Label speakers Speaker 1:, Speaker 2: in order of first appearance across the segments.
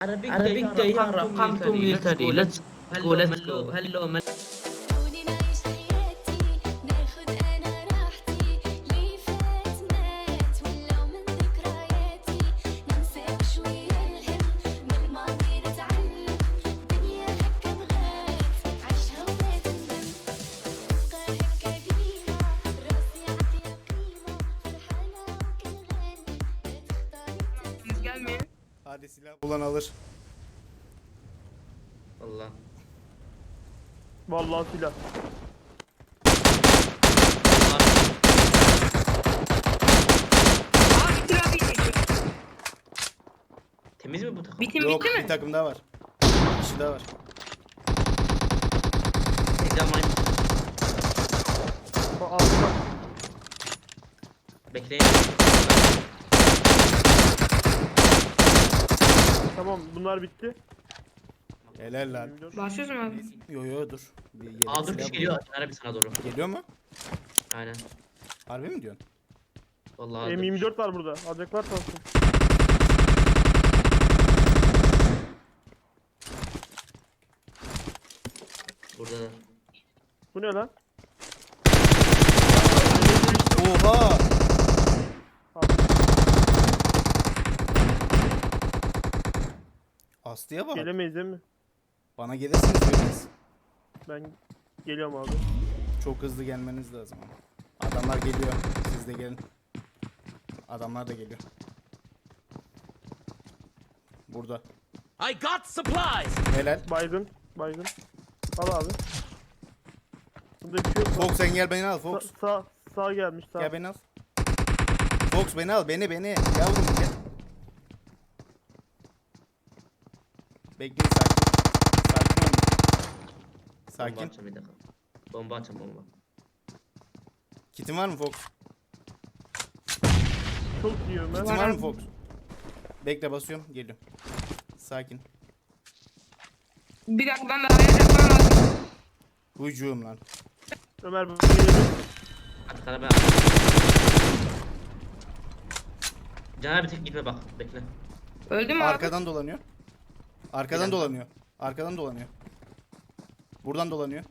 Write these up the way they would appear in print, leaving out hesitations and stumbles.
Speaker 1: Arabic day رقم military. Let's go. Let's go. Hello.
Speaker 2: خلوني نعيش حياتي ناخد انا راحتي لي فات مات ولو من ذكرياتي ننسى شوية الهم من الماضي نتعلم دنيا هكا بغات عيشها ولا تندم تبقى هكا ديما راسي عطيها قيمة فرحانة وكل غالي لا تختاري
Speaker 3: Gelmeyin.
Speaker 4: Hadi silah bulan alır.
Speaker 1: Allah.
Speaker 3: Vallahi silah. Abi bitir abi.
Speaker 1: Temiz mi bu takım?
Speaker 3: Bitim
Speaker 4: Yok,
Speaker 3: bitti mi?
Speaker 4: bir takım daha var. Bir kişi daha var.
Speaker 1: Ekranlayın.
Speaker 3: Altta.
Speaker 1: Bekleyin.
Speaker 3: Tamam bunlar bitti.
Speaker 4: Helal lan.
Speaker 5: Başlıyoruz mu abi?
Speaker 4: Yo dur. Bir yedek
Speaker 1: Aa dur
Speaker 4: silah
Speaker 1: bir şey
Speaker 4: bul.
Speaker 1: geliyor. Arabi sana doğru.
Speaker 4: Geliyor mu?
Speaker 1: Aynen.
Speaker 4: Harbi mi diyorsun?
Speaker 1: Vallahi.
Speaker 3: M24 var burada. Alacaklar olsun.
Speaker 1: Burada da.
Speaker 3: Bu ne lan?
Speaker 4: Oha!
Speaker 3: Abi,
Speaker 4: Aslı'ya bak.
Speaker 3: gelemeyiz değil mi?
Speaker 4: Bana gelirsiniz biriniz.
Speaker 3: Ben geliyorum abi.
Speaker 4: Çok hızlı gelmeniz lazım ama. Adamlar geliyor. Siz de gelin. Adamlar da geliyor. Burada.
Speaker 6: I got supplies.
Speaker 4: Helal.
Speaker 3: Baygın. Baygın. Al abi. Burada bir şey yok.
Speaker 4: Fox sen gel beni al Fox.
Speaker 3: Sağ gelmiş sağ.
Speaker 4: Gel beni al. Fox beni al beni. Yavrum gel. Bekle sakin. Sakin olun.
Speaker 1: Bomba
Speaker 4: Sakin.
Speaker 1: atacağım bir dakika. Bomba atacağım bomba.
Speaker 4: Kitin var mı Fox?
Speaker 3: Çok iyi Ömer.
Speaker 4: Kitin var mı Fox? Bekle basıyorum geliyorum. Sakin.
Speaker 5: Bir dakika ben de araya yapmam lazım.
Speaker 4: Hücum lan.
Speaker 3: Ömer bu gelebilir.
Speaker 1: Hadi kana ben Caner bir tek gitme bak. Bekle.
Speaker 5: Öldü mü abi?
Speaker 4: Arkadan dolanıyor. Arkadan
Speaker 1: Gelen.
Speaker 4: dolanıyor. Arkadan dolanıyor. Buradan dolanıyor.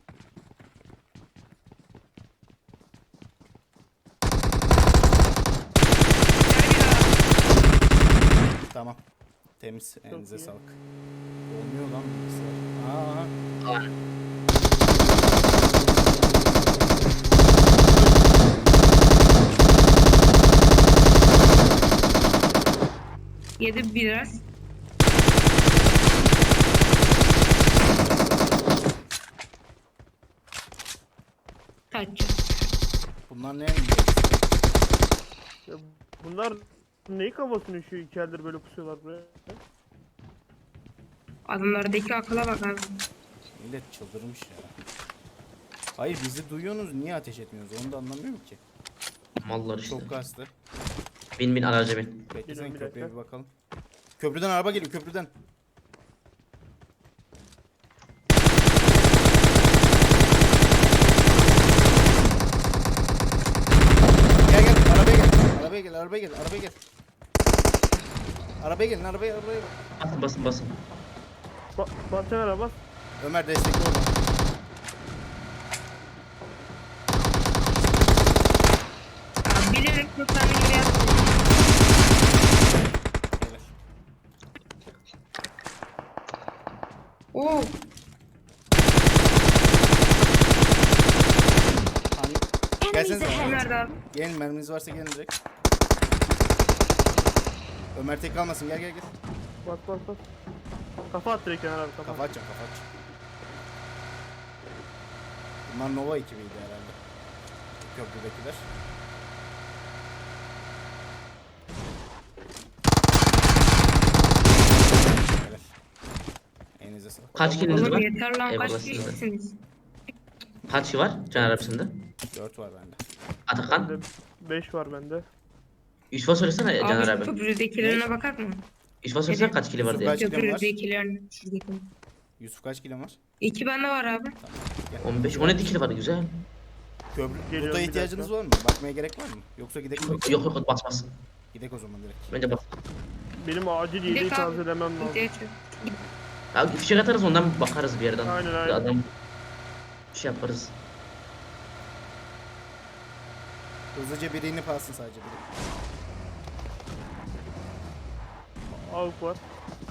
Speaker 4: Tamam. Temiz. Elinize
Speaker 3: iyi.
Speaker 4: sağlık. Olmuyor lan bilgisayar. Aa.
Speaker 5: Yedi biraz. Kaç.
Speaker 4: Bunlar ne?
Speaker 3: Ya bunlar neyi kafasını üşüyor iki eldir böyle pusuyorlar buraya.
Speaker 5: Adamlardaki akıla bak abi.
Speaker 4: Millet çıldırmış ya. Hayır bizi duyuyorsunuz niye ateş etmiyorsunuz onu da anlamıyorum ki.
Speaker 1: Mallar işte.
Speaker 4: Çok kastı.
Speaker 1: Bin araca bin.
Speaker 4: Beklesene
Speaker 3: Geliyorum, bir
Speaker 4: köprüye
Speaker 3: dakika.
Speaker 4: bir bakalım. Köprüden araba geliyor köprüden. Gel arabaya gel. Arabaya gel arabaya gel arabaya gel. Arabaya gelin arabaya.
Speaker 1: Basın.
Speaker 3: Bas Ömer bas.
Speaker 4: Ömer destekli orada.
Speaker 5: Abi bilerek kurtarmayı gibi yaptım.
Speaker 4: Helal.
Speaker 5: Oo.
Speaker 4: Gelsenize.
Speaker 5: Nerede abi?
Speaker 4: Gelin merminiz varsa gelin direkt. Ömer tek kalmasın gel.
Speaker 3: Bas. Kafa at direkt Ömer abi kafa.
Speaker 4: Kafa atacağım. Bunlar Nova ekibiydi herhalde. Köprüdekiler. Helal. Elinize sağlık.
Speaker 1: Kaç kiliniz
Speaker 5: Oğlum
Speaker 1: var?
Speaker 5: yeter lan
Speaker 1: Eyvallah
Speaker 5: kaç
Speaker 1: size.
Speaker 5: kişisiniz?
Speaker 1: Kaç kişi var Caner arabasında?
Speaker 4: 4 var bende.
Speaker 1: Atakan.
Speaker 3: Bende 5 var bende.
Speaker 1: Yusuf'a söylesene Caner
Speaker 5: Abi
Speaker 1: abi.
Speaker 5: köprüdekilerine bakar mı?
Speaker 1: Yusuf'a söylesene kaç kili var diye.
Speaker 4: Kaç kilin var?
Speaker 5: Köprüdekilerine. Şuradaki.
Speaker 4: Yusuf kaç kilon var?
Speaker 5: 2 bende var abi.
Speaker 1: 15 17 kili var güzel.
Speaker 4: Köprü.
Speaker 3: Geliyorum,
Speaker 4: Loot'a
Speaker 3: bir
Speaker 4: ihtiyacınız
Speaker 3: dakika.
Speaker 4: var mı? Bakmaya gerek var mı? Yoksa gidek mi?
Speaker 1: Yok basmaz.
Speaker 4: Gidek o zaman direkt.
Speaker 1: Bence bas.
Speaker 3: Benim acil yediği
Speaker 5: Direkt abi.
Speaker 3: tazelemem lazım.
Speaker 5: İhtiyaç yok.
Speaker 1: Ya fişek atarız ondan bakarız bir yerden.
Speaker 3: Aynen, aynen.
Speaker 1: Bir adam bir şey yaparız.
Speaker 4: Hızlıca birini inip alsın sadece biri.
Speaker 3: Avuk var.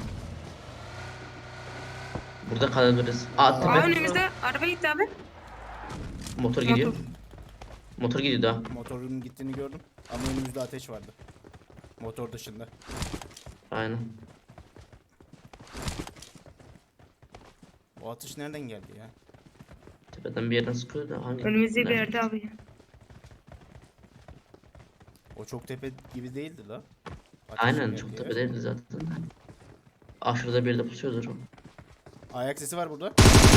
Speaker 1: Burada kalabiliriz. Aa
Speaker 5: Aa
Speaker 1: tepe
Speaker 5: önümüzde araba gitti abi.
Speaker 1: motor gidiyor.
Speaker 5: Motor.
Speaker 1: Motor gidiyor daha.
Speaker 4: Motorun gittiğini gördüm. Ama önümüzde ateş vardı. Motor dışında.
Speaker 1: Aynen.
Speaker 4: O atış nereden geldi ya?
Speaker 1: Tepeden bir yerden sıkıyor da hangi?
Speaker 5: Önümüzde bir
Speaker 1: Nerede?
Speaker 5: yerde abi.
Speaker 4: O çok tepe gibi değildi la. Ateşin
Speaker 1: Aynen
Speaker 4: geldiği
Speaker 1: çok
Speaker 4: yer.
Speaker 1: tepedeydi zaten. Aşırıda bir de pusuyordur o.
Speaker 4: Ayak sesi var burada.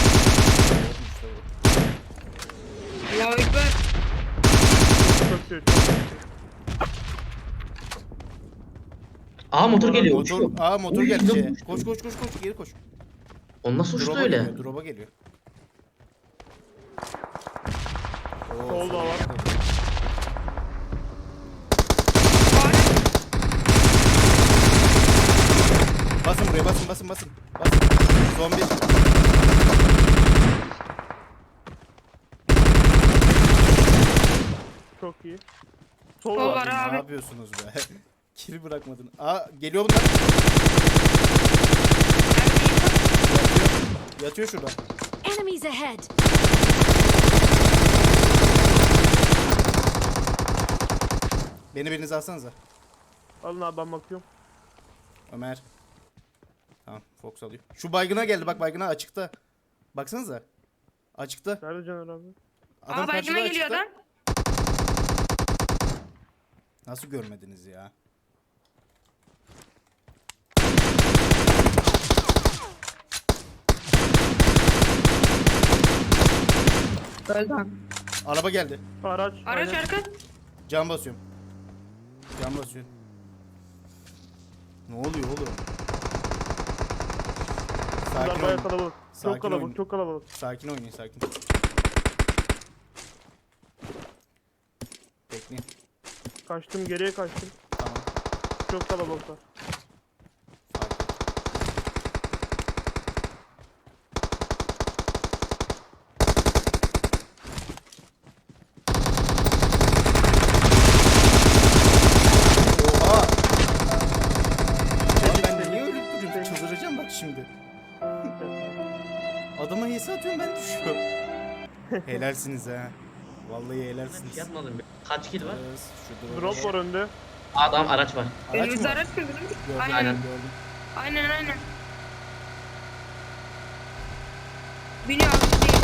Speaker 5: Allahu Ekber.
Speaker 3: Çok kötü.
Speaker 1: Aa motor geliyor.
Speaker 4: Motor,
Speaker 1: uçuyor.
Speaker 4: motor
Speaker 1: Uy,
Speaker 4: geldi
Speaker 1: lan
Speaker 4: şeye.
Speaker 1: uçtu.
Speaker 4: Koş koş koş koş geri koş.
Speaker 1: O nasıl uçtu
Speaker 4: Drop'a
Speaker 1: öyle?
Speaker 4: geliyor, drop'a geliyor. Oo,
Speaker 3: Solda var.
Speaker 4: Basın buraya basın basın basın. Basın. Son bir.
Speaker 3: Çok iyi. Sol
Speaker 5: Sol
Speaker 3: var.
Speaker 5: var
Speaker 4: Ne
Speaker 5: abi.
Speaker 4: yapıyorsunuz be? Kill bırakmadın. Aa geliyor bunlar. Yatıyor şurada.
Speaker 2: Enemies ahead!
Speaker 4: Beni biriniz alsanıza.
Speaker 3: Alın abi ben bakıyorum.
Speaker 4: Ömer. Tamam Fox alıyor. Şu baygına geldi bak baygına açıkta. Baksanıza. Açıkta.
Speaker 3: Nerede Caner abi?
Speaker 5: Aa baygına geliyor adam.
Speaker 4: Nasıl görmediniz ya?
Speaker 5: Öldü abi.
Speaker 4: Araba geldi.
Speaker 3: Araç.
Speaker 5: Araç
Speaker 3: aynen.
Speaker 5: arka.
Speaker 4: Cam basıyorum. Cam basıyorum. Ne oluyor oğlum?
Speaker 3: Bunlar
Speaker 4: Sakin
Speaker 3: bayağı
Speaker 4: olun.
Speaker 3: kalabalık.
Speaker 4: Sakin
Speaker 3: Çok kalabalık,
Speaker 4: oyun.
Speaker 3: çok kalabalık.
Speaker 4: Sakin oynayın sakin. Bekleyin.
Speaker 3: Kaçtım, geriye kaçtım.
Speaker 4: Tamam.
Speaker 3: Çok kalabalıklar.
Speaker 4: Sakin. Oha! Abi ben de niye ölüp duruyorum? Çıldıracağım bak şimdi. Adama hisse atıyorum ben düşüyorum. Helalsiniz ha. Vallahi
Speaker 1: Hiç
Speaker 4: helalsiniz.
Speaker 1: yapmadım. Kaç kill var?
Speaker 4: Şu
Speaker 3: Drop var önde.
Speaker 1: Adam araç var.
Speaker 4: Araç
Speaker 5: Önümüzde
Speaker 4: mı?
Speaker 5: araç mı?
Speaker 4: Gördüm,
Speaker 5: Aynen.
Speaker 1: Aynen.
Speaker 4: gördüm.
Speaker 5: Aynen. Biniyor abi değil.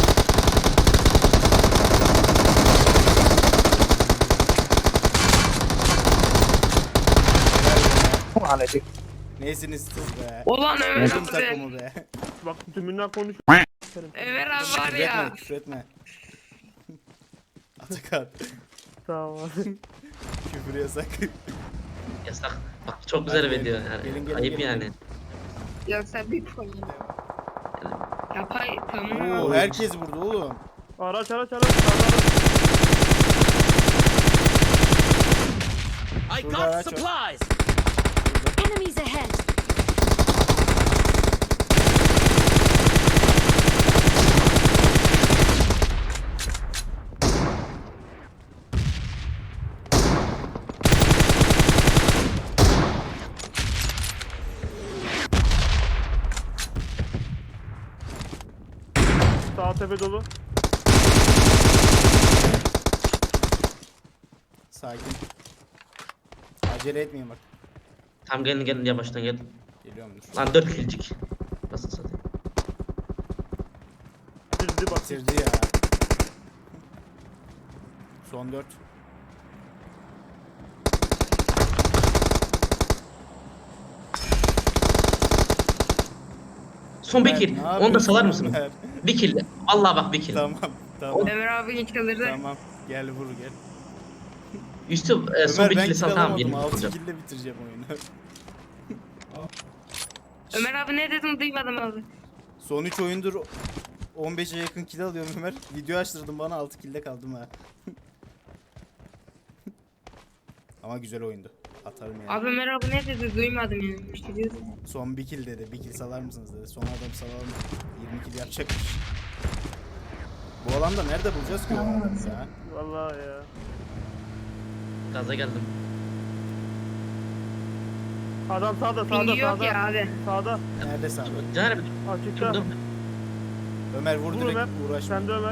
Speaker 4: Neysiniz siz be?
Speaker 5: Ulan Ömer
Speaker 4: Takım
Speaker 5: abi.
Speaker 4: takımı be.
Speaker 3: Bak tümünden konuş.
Speaker 5: Ömer abi var
Speaker 4: Küfür etme,
Speaker 5: ya.
Speaker 4: küfür etme. Atakan,
Speaker 3: Tamam abi.
Speaker 4: küfür yasak.
Speaker 1: Yasak. Bak çok güzel
Speaker 4: Hadi
Speaker 1: video
Speaker 4: gelin,
Speaker 1: yani.
Speaker 4: gelin,
Speaker 1: Ayıp
Speaker 4: gelin.
Speaker 1: yani.
Speaker 5: Yoksa bir koyun. Yapay tamam
Speaker 4: Oo,
Speaker 5: abi.
Speaker 4: herkes burada oğlum.
Speaker 3: Araç. Araç.
Speaker 6: I
Speaker 4: Şurada
Speaker 6: got
Speaker 4: araç var.
Speaker 6: supplies.
Speaker 2: Enemies ahead!
Speaker 3: Sağ tepe dolu.
Speaker 4: Sakin. Acele etmeyin bak.
Speaker 1: Tamam gelin yavaştan gelin.
Speaker 4: Geliyorum dur.
Speaker 1: Lan 4 killcik. Nasıl satayım?
Speaker 3: Bitirdi bak.
Speaker 4: Bitirdi ya. Son 4.
Speaker 1: Son bir kill. Onu da salar mısın?
Speaker 4: Ömer?
Speaker 1: Bir kill. Allah bak bir kill.
Speaker 4: Tamam, tamam,
Speaker 5: Ömer abi çıldırdı.
Speaker 4: tamam. Gel vur gel.
Speaker 1: Yusuf son
Speaker 4: Ömer
Speaker 1: bir
Speaker 4: ben
Speaker 1: kill
Speaker 4: kill
Speaker 1: sal tamam
Speaker 4: alamadım.
Speaker 1: yerim
Speaker 4: 6
Speaker 1: olacak.
Speaker 4: kill'le bitireceğim oyunu.
Speaker 5: Ömer abi ne dedin duymadım abi.
Speaker 4: Son 3 oyundur 15'e yakın kill alıyorum Ömer. Video açtırdım bana 6 kill'de kaldım ha. Ama güzel oyundu. Atarım yani.
Speaker 5: Abi Ömer abi ne dedi duymadım yani. İşte diyordu.
Speaker 4: Son bir kill dedi. Bir kill salar mısınız dedi. Son adam salalım. 20 kill yapacakmış. Bu alanda nerede bulacağız ki o adamı ya?
Speaker 3: Vallahi ya.
Speaker 1: Gaza geldim.
Speaker 3: Adam sağda sağda
Speaker 5: Pingi yok
Speaker 3: sağda.
Speaker 5: ya abi.
Speaker 3: Sağda.
Speaker 4: Nerede sen?
Speaker 1: Caner
Speaker 3: Açıkta.
Speaker 1: şurada.
Speaker 4: Ömer vur
Speaker 3: Vur
Speaker 4: direkt
Speaker 3: Ömer.
Speaker 4: uğraşma.
Speaker 3: Sen de Ömer.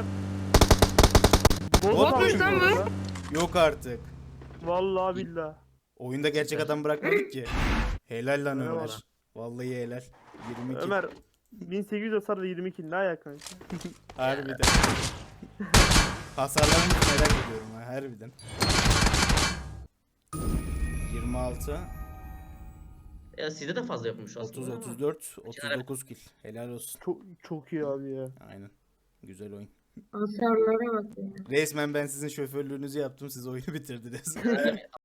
Speaker 4: Botmuş
Speaker 3: atmış
Speaker 5: lan
Speaker 3: bu
Speaker 5: bu.
Speaker 3: arada.
Speaker 4: Yok artık.
Speaker 3: Vallahi billahi.
Speaker 4: Oyunda gerçek adam bırakmadık ki. Helal lan
Speaker 3: Eyvallah.
Speaker 4: Ömer. Vallahi helal. 22.
Speaker 3: Ömer 1800 hasar ve 22 ne ayak kanka?
Speaker 4: Harbiden. Hasarlarını merak ediyorum ha harbiden. 26,
Speaker 1: Ya sizde de fazla yapmış
Speaker 4: 30,
Speaker 1: aslında. ama.
Speaker 4: 34, 39 kill. Helal olsun.
Speaker 3: Çok iyi abi ya.
Speaker 4: Aynen. Güzel oyun.
Speaker 5: Hasarlara bak ya.
Speaker 4: Resmen ben sizin şoförlüğünüzü yaptım. Siz oyunu bitirdiniz.